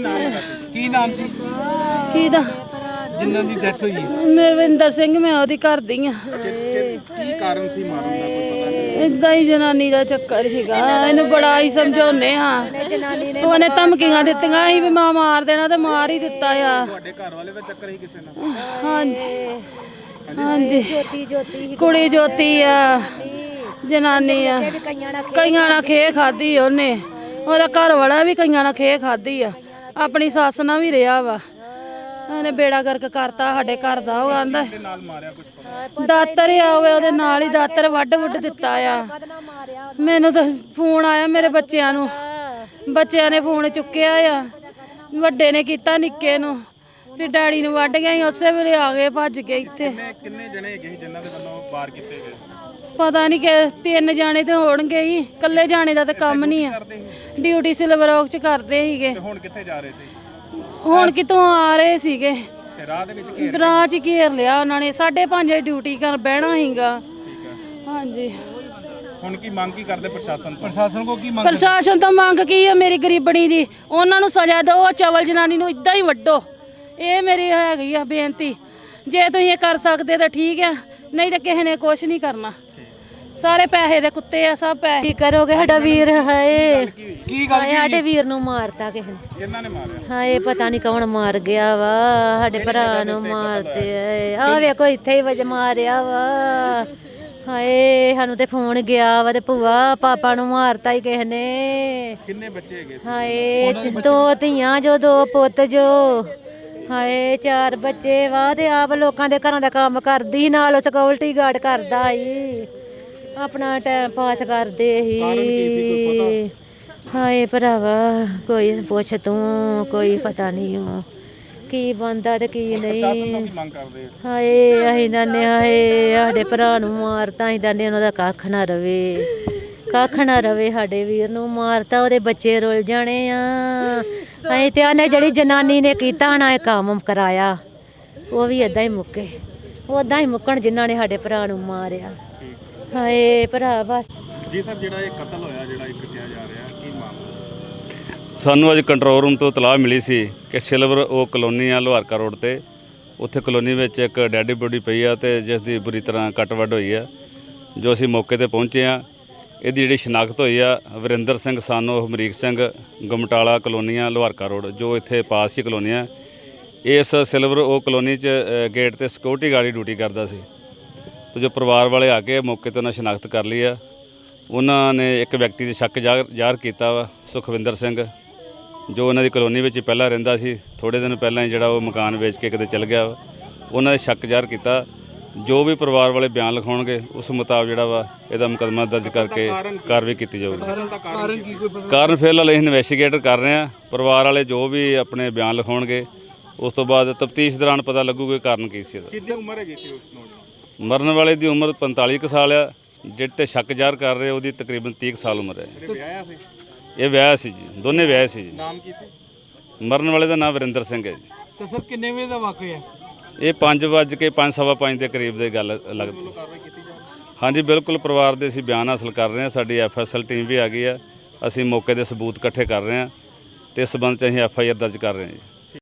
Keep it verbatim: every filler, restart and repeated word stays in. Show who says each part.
Speaker 1: ਨਾਮ ਹੈਗਾ ਸੀ? ਕੀ ਨਾਮ ਸੀ
Speaker 2: ਕਿਹਦਾ?
Speaker 1: ਜਿਨ੍ਹਾਂ ਦੀ ਡੈਥ ਹੋਈ ਹੈ?
Speaker 2: ਮਰਵਿੰਦਰ ਸਿੰਘ, ਮੈਂ ਉਹਦੀ ਘਰ ਦੀ ਆ।
Speaker 1: ਕੀ ਕਾਰਨ ਸੀ ਮਾਰਨ ਦਾ, ਕੋਈ ਪਤਾ ਨਹੀਂ?
Speaker 2: ਇਦਾਂ ਹੀ ਜਨਾਨੀ ਦਾ ਚੱਕਰ ਸੀਗਾ। ਇਹਨੂੰ ਬੜਾ ਹੀ ਸਮਝਾਉਨੇ ਹਾਂ। ਉਹਨੇ ਧਮਕੀਆਂ ਦਿੱਤੀਆਂ ਸੀ ਵੀ ਮਾਂ ਮਾਰ ਦੇਣਾ ਤੇ ਮਾਰ ਹੀ ਦਿੱਤਾ ਆ।
Speaker 1: ਤੁਹਾਡੇ ਘਰ ਵਾਲੇ ਦਾ ਚੱਕਰ ਸੀ ਕਿਸੇ ਨਾਲ?
Speaker 2: ਹਾਂਜੀ ਹਾਂਜੀ, ਕੁੜੀ ਜੋਤੀ ਆ, ਜਨਾਨੀ ਆ। ਕਈਆਂ ਨਾਲ ਖੇ ਖਾਦੀ ਉਹਨੇ। ਉਹਦਾ ਘਰ ਵਾਲਾ ਵੀ ਕਈਆਂ ਨਾਲ ਖੇ ਖਾਦੀ ਆ। ਆਪਣੀ ਸੱਸ ਨਾਲ ਵੀ ਰਿਹਾ ਵਾ। ਉਹਨੇ ਬੇੜਾ ਗਰਕ ਕਰਤਾ ਸਾਡੇ ਘਰ ਦਾ। ਉਹ ਆਂਦਾ ਦਾਤਰ ਆ ਹੋਵੇ ਉਹਦੇ ਨਾਲ ਹੀ ਦਾਤਰ ਵੱਢ ਵੁੱਢ ਦਿੱਤਾ ਆ। ਮੈਨੂੰ ਤਾਂ ਫੋਨ ਆਇਆ ਮੇਰੇ ਬੱਚਿਆਂ ਨੂੰ, ਬੱਚਿਆਂ ਨੇ ਫੋਨ ਚੁੱਕਿਆ ਆ। ਵੱਡੇ ਨੇ ਕੀਤਾ ਨਿੱਕੇ ਨੂੰ, ਫਿਰ ਡੈਡੀ ਨੂੰ ਵੱਢ ਗਿਆ ਸੀ। ਉਸੇ ਵੇਲੇ ਆ ਗਏ ਭੱਜ ਕੇ ਇੱਥੇ।
Speaker 1: ਕਿੰਨੇ ਜਣੇ ਹੈਗੇ ਸੀ ਜਿਨ੍ਹਾਂ ਦੇ ਵੱਲੋਂ ਵਾਰ ਕੀਤੇ ਗਏ?
Speaker 2: ਪਤਾ ਨਹੀਂ ਕਿ ਤਿੰਨ ਜਾਣੇ ਤੇ ਹੋਣਗੇ ਹੀ। ਇਕੱਲੇ ਜਾਣੇ ਦਾ ਤਾਂ ਕੰਮ ਨਹੀਂ ਆ। ਡਿਊਟੀ ਸਿਲਵਰ ਔਕ ਚ ਕਰਦੇ ਸੀਗੇ।
Speaker 1: ਹੁਣ ਕਿੱਥੇ ਜਾ ਰਹੇ ਸੀ?
Speaker 2: ਹੁਣ ਕਿਤੋਂ ਆ ਰਹੇ ਸੀਗੇ।
Speaker 1: ਰਾਹ ਦੇ ਵਿੱਚ ਘੇਰ
Speaker 2: ਰਾਹ 'ਚ ਘੇਰ ਲਿਆ ਉਹਨਾਂ ਨੇ। ਸਾਢੇ ਪੰਜ ਵਜੇ ਡਿਊਟੀ ਕਰ ਬਹਿਣਾ ਸੀਗਾ। ਹਾਂਜੀ,
Speaker 1: ਹੁਣ ਕੀ ਮੰਗ ਕੀ ਕਰਦੇ ਪ੍ਰਸ਼ਾਸਨ? ਪ੍ਰਸ਼ਾਸਨ ਕੋ ਕੀ ਮੰਗ?
Speaker 2: ਪ੍ਰਸ਼ਾਸਨ ਤੋਂ ਮੰਗ ਕੀ ਹੈ ਮੇਰੀ ਗਰੀਬਣੀ ਦੀ? ਉਹਨਾਂ ਨੂੰ ਸਜ਼ਾ ਦਿਓ। ਚਵਲ ਜਨਾਨੀ ਨੂੰ ਇਦਾਂ ਹੀ ਵੱਢੋ। ਇਹ ਮੇਰੀ ਹੈਗੀ ਆ ਬੇਨਤੀ। ਜੇ ਤੁਸੀਂ ਇਹ ਕਰ ਸਕਦੇ ਤਾਂ ਠੀਕ ਆ, ਨਹੀਂ ਤਾਂ ਕਿਸੇ ਨੇ ਕੁਛ ਨਹੀਂ ਕਰਨਾ। ਸਾਰੇ ਪੈਸੇ ਦੇ ਕੁੱਤੇ ਆ, ਸਭ ਪੈਸੇ।
Speaker 3: ਕੀ ਕਰੋਗੇ? ਸਾਡਾ ਵੀਰ ਹਾਏ,
Speaker 1: ਕੀ ਗੱਲ?
Speaker 3: ਸਾਡੇ ਵੀਰ ਨੂੰ ਮਾਰਤਾ ਕਿਸੇ ਨੇ।
Speaker 1: ਕਿਹਨਾਂ ਨੇ ਮਾਰਿਆ?
Speaker 3: ਹਾਏ ਪਤਾ ਨਹੀਂ ਕੌਣ ਮਾਰ ਗਿਆ ਵਾ। ਸਾਡੇ ਭਰਾ ਨੂੰ ਮਾਰਦੇ ਆ। ਆ ਵੇਖੋ ਇੱਥੇ ਹੀ ਵਜ ਮਾਰਿਆ ਵਾ। ਹਾਏ ਸਾਨੂੰ ਤੇ ਫੋਨ ਗਿਆ ਵਾ ਤੇ ਭੂਆ ਪਾਪਾ ਨੂੰ ਮਾਰਤਾ ਹੀ ਕਿਸੇ ਨੇ।
Speaker 1: ਕਿੰਨੇ ਬੱਚੇ ਹੈਗੇ?
Speaker 3: ਹਾਏ ਦੋ ਧੀਆਂ ਜੋ, ਦੋ ਪੁੱਤ ਜੋ। ਹਾਏ ਚਾਰ ਬੱਚੇ ਵਾ ਤੇ ਆਪ ਲੋਕਾਂ ਦੇ ਘਰਾਂ ਦਾ ਕੰਮ ਕਰਦੀ, ਨਾਲ ਸਿਕਿਉਰਿਟੀ ਗਾਰਡ ਕਰਦਾ ਸੀ। ਆਪਣਾ ਟਾਈਮ ਪਾਸ ਕਰਦੇ ਸੀ। ਹਾਏ ਭਰਾਵਾ ਕੋਈ ਪੁੱਛ ਤੂੰ, ਕੋਈ ਪਤਾ ਨਹੀਂ ਉਹ ਕੀ ਬੰਦਾ ਤੇ ਕੀ ਨਹੀਂ। ਹਾਏ ਅਸੀਂ ਦਾਨੇ ਹਾਏ ਸਾਡੇ ਭਰਾ ਨੂੰ ਮਾਰਤਾ। ਅਸੀਂ ਦਾਨੇ ਉਹਨਾਂ ਦਾ ਕੱਖ ਨਾ ਰਵੇ, ਕੱਖ ਨਾ ਰਵੇ। ਸਾਡੇ ਵੀਰ ਨੂੰ ਮਾਰਤਾ, ਉਹਦੇ ਬੱਚੇ ਰੁੱਲ ਜਾਣੇ ਆ। ਅਸੀਂ ਤੇ ਆਨੇ ਜਿਹੜੀ ਜਨਾਨੀ ਨੇ ਕੀਤਾ ਨਾ ਇਹ ਕੰਮ ਕਰਾਇਆ, ਉਹ ਵੀ ਏਦਾਂ ਹੀ ਮੁੱਕੇ। ਉੱਦਾਂ ਹੀ ਮੁੱਕਣ ਜਿਨ੍ਹਾਂ ਨੇ ਸਾਡੇ ਭਰਾ ਨੂੰ ਮਾਰਿਆ। ਹਾਏ ਭਰਾ ਬਸ
Speaker 1: ਜੀ ਸਰ, ਜਿਹੜਾ ਇਹ ਕਤਲ ਹੋਇਆ, ਜਿਹੜਾ ਇੱਕ ਕਿਹਾ ਜਾ ਰਿਹਾ, ਕੀ ਮਾਮਲਾ?
Speaker 4: ਸਾਨੂੰ ਅੱਜ ਕੰਟਰੋਲ ਰੂਮ ਤੋਂ ਇਤਲਾਹ ਮਿਲੀ ਸੀ ਕਿ ਸਿਲਵਰ ਉਹ ਕਲੋਨੀ ਆ ਲੋਹਾਰਕਾ ਰੋਡ ਤੇ। ਉੱਥੇ ਕਲੋਨੀ ਵਿੱਚ ਇੱਕ ਡੈਡੀ ਬੋਡੀ ਪਈ ਆ ਤੇ ਜਿਸ ਦੀ ਬੁਰੀ ਤਰ੍ਹਾਂ ਕੱਟ ਵੱਢ ਹੋਈ ਆ। ਜੋ ਅਸੀਂ ਮੌਕੇ ਤੇ ਪਹੁੰਚੇ ਆ, ਇਹਦੀ ਜਿਹੜੀ ਸ਼ਨਾਖਤ ਹੋਈ ਆ ਵਰਿੰਦਰ ਸਿੰਘ ਸਾਨੋ ਹਮਰੀਕ ਸਿੰਘ, ਗਮਟਾਲਾ ਕਲੋਨੀ ਆ ਲੋਹਾਰਕਾ ਰੋਡ, ਜੋ ਇੱਥੇ ਪਾਸ ਹੀ ਕਲੋਨੀ ਆ। ਇਸ ਸਿਲਵਰ ਉਹ ਕਲੋਨੀ 'ਚ ਗੇਟ ਤੇ ਸਿਕਿਉਰਿਟੀ ਗਾਰਡ ਡਿਊਟੀ ਕਰਦਾ ਸੀ। ਤੇ ਜੋ ਪਰਿਵਾਰ ਵਾਲੇ ਆ ਕੇ ਮੌਕੇ ਤੇ ਉਹਨਾਂ ਸ਼ਨਾਖਤ ਕਰ ਲਈ ਆ। ਉਹਨਾਂ ਨੇ ਇੱਕ ਵਿਅਕਤੀ ਦੇ ਸ਼ੱਕ ਜ਼ਾਹਰ ਜ਼ਾਹਰ ਕੀਤਾ ਵਾ, ਸੁਖਵਿੰਦਰ ਸਿੰਘ, ਜੋ ਉਹਨਾਂ ਦੀ ਕਲੋਨੀ ਵਿੱਚ ਹੀ ਪਹਿਲਾਂ ਰਹਿੰਦਾ ਸੀ। ਥੋੜ੍ਹੇ ਦਿਨ ਪਹਿਲਾਂ ਹੀ ਜਿਹੜਾ ਉਹ ਮਕਾਨ ਵੇਚ ਕੇ ਕਿਤੇ ਚਲ ਗਿਆ ਵਾ। ਉਹਨਾਂ ਨੇ ਸ਼ੱਕ ਜ਼ਾਹਰ ਕੀਤਾ। ਜੋ ਵੀ ਪਰਿਵਾਰ ਵਾਲੇ ਬਿਆਨ ਲਿਖਾਉਣਗੇ ਉਸ ਮੁਤਾਬਕ ਜਿਹੜਾ ਵਾ ਇਹਦਾ ਮੁਕੱਦਮਾ ਦਰਜ ਕਰਕੇ ਕਾਰਵਾਈ ਕੀਤੀ ਜਾਊਗੀ। ਕਾਰਨ ਫਿਲਹਾਲ ਅਸੀਂ ਇਨਵੈਸਟੀਗੇਟ ਕਰ ਰਹੇ ਹਾਂ। ਪਰਿਵਾਰ ਵਾਲੇ ਜੋ ਵੀ ਆਪਣੇ ਬਿਆਨ ਲਿਖਾਉਣਗੇ ਉਸ ਤੋਂ ਬਾਅਦ ਤਫਤੀਸ਼ ਦੌਰਾਨ ਪਤਾ ਲੱਗੂਗਾ ਕਾਰਨ ਕੀ ਸੀ।
Speaker 1: ਕਿੰਨੀ ਉਮਰ ਹੈਗੀ ਸੀ ਉਸ ਨੌਜਵਾਨ?
Speaker 4: ਮਰਨ ਵਾਲੇ ਦੀ ਉਮਰ ਪੰਤਾਲੀ ਕੁ ਸਾਲ ਆ। ਜਿਹੜੇ ਤੇ ਸ਼ੱਕ ਜ਼ਾਹਰ ਕਰ ਰਹੇ ਉਹਦੀ ਤਕਰੀਬਨ ਤੀਹ ਕੁ ਸਾਲ ਉਮਰ ਹੈ। ਇਹ ਵਿਆਹ ਸੀ ਜੀ, ਦੋਨੇ ਵਿਆਹ ਸੀ ਜੀ।
Speaker 1: ਨਾਮ ਕੀ ਸੀ
Speaker 4: ਮਰਨ ਵਾਲੇ ਦਾ ਨਾਮ ਵਰਿੰਦਰ ਸਿੰਘ ਹੈ ਜੀ।
Speaker 1: ਤੇ ਸਰ ਕਿੰਨੇ ਵਜੇ ਦਾ ਵਾਕਿਆ?
Speaker 4: ਇਹ ਪੰਜ ਵੱਜ ਕੇ ਪੰਜ ਸਵਾ ਪੰਜ ਦੇ ਕਰੀਬ ਦੀ ਗੱਲ ਲੱਗਦੀ। ਹਾਂਜੀ ਬਿਲਕੁਲ, ਪਰਿਵਾਰ ਦੇ ਅਸੀਂ ਬਿਆਨ ਹਾਸਲ ਕਰ ਰਹੇ ਹਾਂ। ਸਾਡੀ ਐਫ ਐਸ ਐਲ ਟੀਮ ਵੀ ਆ ਗਈ ਆ। ਅਸੀਂ ਮੌਕੇ ਦੇ ਸਬੂਤ ਇਕੱਠੇ ਕਰ ਰਹੇ ਹਾਂ ਤੇ ਇਸ ਸੰਬੰਧ 'ਚ ਅਸੀਂ ਐਫ ਆਈ ਆਰ ਦਰਜ ਕਰ ਰਹੇ ਹਾਂ ਜੀ।